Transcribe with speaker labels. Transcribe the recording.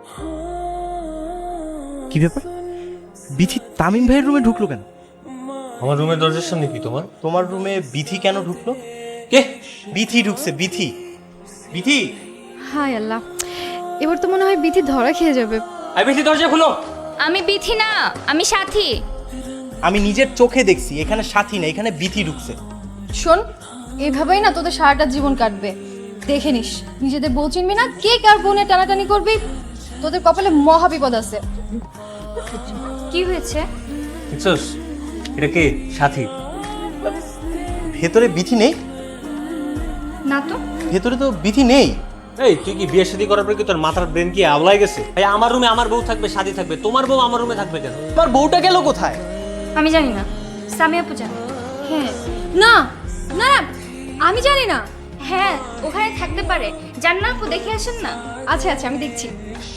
Speaker 1: কি ব্যাপার, বিথি তামিম ভাইয়ের রুমে ঢুকলো কেন?
Speaker 2: আমার রুমের দরজার সামনে কি তোমার?
Speaker 1: তোমার রুমে বিথি কেন ঢুকলো?
Speaker 2: কে?
Speaker 1: বিথি ঢুকছে, বিথি। বিথি,
Speaker 3: হায় আল্লাহ, এবার তো মনে হয় বিথি ধরা খেয়ে যাবে।
Speaker 2: আই বেশি দরজা খুলো।
Speaker 4: আমি বিথি না, আমি সাথী।
Speaker 1: আমি নিজের চোখে দেখছি এখানে সাথী না, এখানে বিথি ঢুকছে।
Speaker 3: শোন, এইভাবেই না তোদের সারাটা জীবন কাটবে। দেখে নিস, নিজেদের বউ চিনবি না, কে কার বোনে টানাটানি করবি, তোদের কপালে মহা বিপদ আছে।
Speaker 4: কি হয়েছে?
Speaker 2: দেখছস, এটা কে? সাথী।
Speaker 1: ভেতরে বিথি নেই?
Speaker 4: না তো।
Speaker 1: ভেতরে তো বিথি নেই।
Speaker 2: এই তুই কি বিয়ে শাদী করার পর কি তোর মাথার ব্রেন কি আওলাই গেছে? ভাই আমার রুমে আমার বউ থাকবে, শাদী থাকবে, তোমার বউ আমার রুমে থাকবে কেন?
Speaker 1: তোমার বউটা গেল কোথায়?
Speaker 4: আমি জানি না, সামিয়া আপু জানে।
Speaker 3: হ্যাঁ, না না না, আমি জানি না।
Speaker 4: হ্যাঁ, ওখানে থাকতে পারে। যান না আপু, দেখে আসেন না।
Speaker 3: আচ্ছা আচ্ছা, আমি দেখছি।